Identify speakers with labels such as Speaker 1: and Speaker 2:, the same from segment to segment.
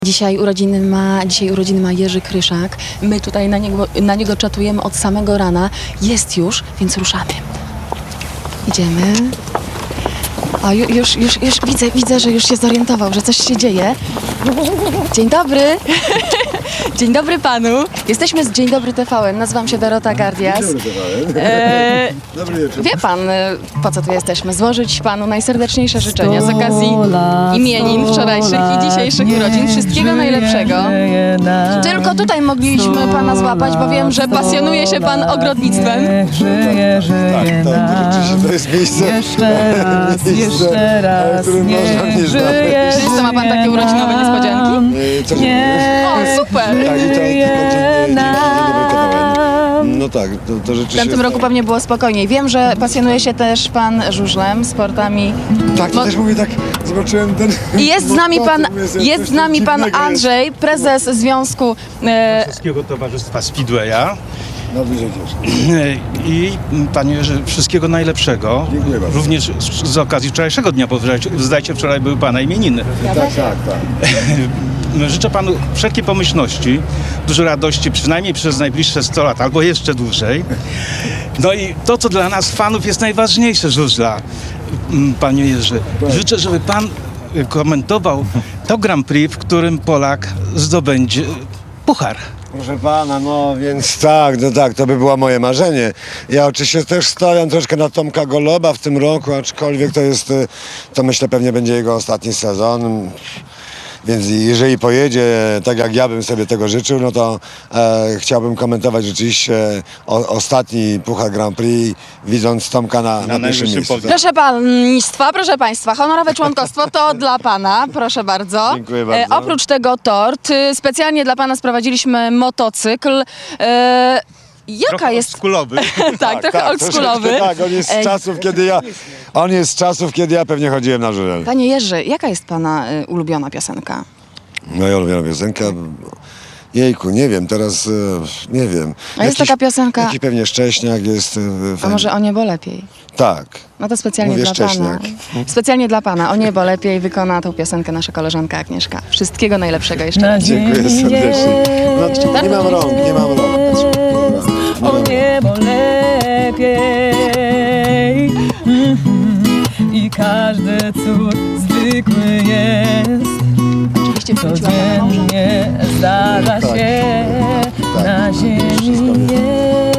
Speaker 1: Dzisiaj urodziny ma Jerzy Kryszak. My tutaj na niego czatujemy od samego rana. Jest już, więc ruszamy. Idziemy. O, już widzę, że już się zorientował, że coś się dzieje. Dzień dobry. Dzień dobry panu. Jesteśmy z Dzień Dobry TVN. Nazywam się Dorota Gardias.
Speaker 2: Dobry wieczór.
Speaker 1: Wie pan, po co tu jesteśmy? Złożyć panu najserdeczniejsze życzenia z okazji imienin wczorajszych i dzisiejszych urodzin. Wszystkiego najlepszego. Tylko tutaj mogliśmy pana złapać, bo wiem, że pasjonuje się pan ogrodnictwem.
Speaker 2: Tak, rzeczywiście to jest miejsce,
Speaker 3: Jeszcze raz,
Speaker 2: w którym można mnie znaleźć.
Speaker 1: Czy co, ma pan takie urodzinowe niespodzianki?
Speaker 2: Co nie?
Speaker 1: O, super!
Speaker 2: Tak, i to Dzień Dobry TVN. No tak, to
Speaker 1: W
Speaker 2: rzeczywiście...
Speaker 1: tamtym roku pewnie było spokojniej. Wiem, że pasjonuje się też pan żużlem, sportami.
Speaker 2: Tak, to też mówię tak, zobaczyłem ten...
Speaker 1: I jest z nami pan Andrzej, prezes Związku
Speaker 4: Polskiego Towarzystwa Speedwaya.
Speaker 2: No dużo cieszę.
Speaker 4: I panie Jerzy, wszystkiego najlepszego.
Speaker 2: Dziękuję bardzo.
Speaker 4: Również z okazji wczorajszego dnia, bo zdajcie, wczoraj były pana imieniny.
Speaker 2: Tak.
Speaker 4: Życzę panu wszelkiej pomyślności, dużo radości, przynajmniej przez najbliższe 100 lat, albo jeszcze dłużej. No i to, co dla nas fanów jest najważniejsze, żużla, panie Jerzy. Życzę, żeby pan komentował to Grand Prix, w którym Polak zdobędzie puchar.
Speaker 2: Proszę pana, no więc tak, to by było moje marzenie. Ja oczywiście też stawiam troszkę na Tomka Goloba w tym roku, aczkolwiek to myślę pewnie będzie jego ostatni sezon. Więc jeżeli pojedzie tak jak ja bym sobie tego życzył, no to chciałbym komentować rzeczywiście ostatni Puchar Grand Prix, widząc Tomka na pierwszym
Speaker 4: najwyższym
Speaker 2: miejscu.
Speaker 4: poziomie.
Speaker 1: proszę państwa, honorowe członkostwo to dla pana, proszę bardzo.
Speaker 2: Dziękuję bardzo.
Speaker 1: Oprócz tego tort, specjalnie dla pana sprowadziliśmy motocykl. Jaka
Speaker 4: Trochę
Speaker 1: jest...
Speaker 4: oldschoolowy.
Speaker 1: Tak, trochę oldschoolowy.
Speaker 2: Tak, on jest z czasów, kiedy ja pewnie chodziłem na żużel.
Speaker 1: Panie Jerzy, jaka jest pana ulubiona piosenka?
Speaker 2: Moja ulubiona piosenka. Jejku, nie wiem, teraz nie wiem.
Speaker 1: A jest taka piosenka...
Speaker 2: Jakiś pewnie Szcześniak jest.
Speaker 1: A może O niebo lepiej?
Speaker 2: Tak.
Speaker 1: No to specjalnie
Speaker 2: Mówię
Speaker 1: dla
Speaker 2: Szcześniak.
Speaker 1: pana. Specjalnie dla pana. O niebo lepiej wykona tą piosenkę nasza koleżanka Agnieszka. Wszystkiego najlepszego jeszcze raz.
Speaker 2: Dziękuję serdecznie. No, nie mam rąk.
Speaker 3: O niebo lepiej. I każdy cud zwykły jest.
Speaker 1: Oczywiście wróciła pana małżonka.
Speaker 3: Codziennie zdarza się na ziemi jest.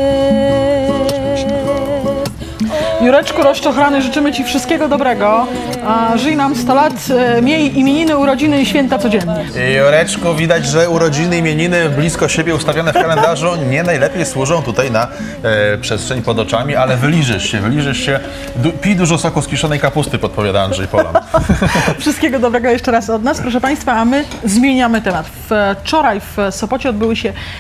Speaker 5: Jureczku rozczochrany, życzymy Ci wszystkiego dobrego. Żyj nam 100 lat, miej imieniny, urodziny i święta codziennie.
Speaker 6: Joreczku, widać, że urodziny, imieniny blisko siebie ustawione w kalendarzu nie najlepiej służą tutaj na przestrzeń pod oczami, ale wyliżysz się. Pij dużo soku z kiszonej kapusty, podpowiada Andrzej Polan.
Speaker 5: Wszystkiego dobrego jeszcze raz od nas, proszę Państwa, a my zmieniamy temat. Wczoraj w Sopocie odbyły się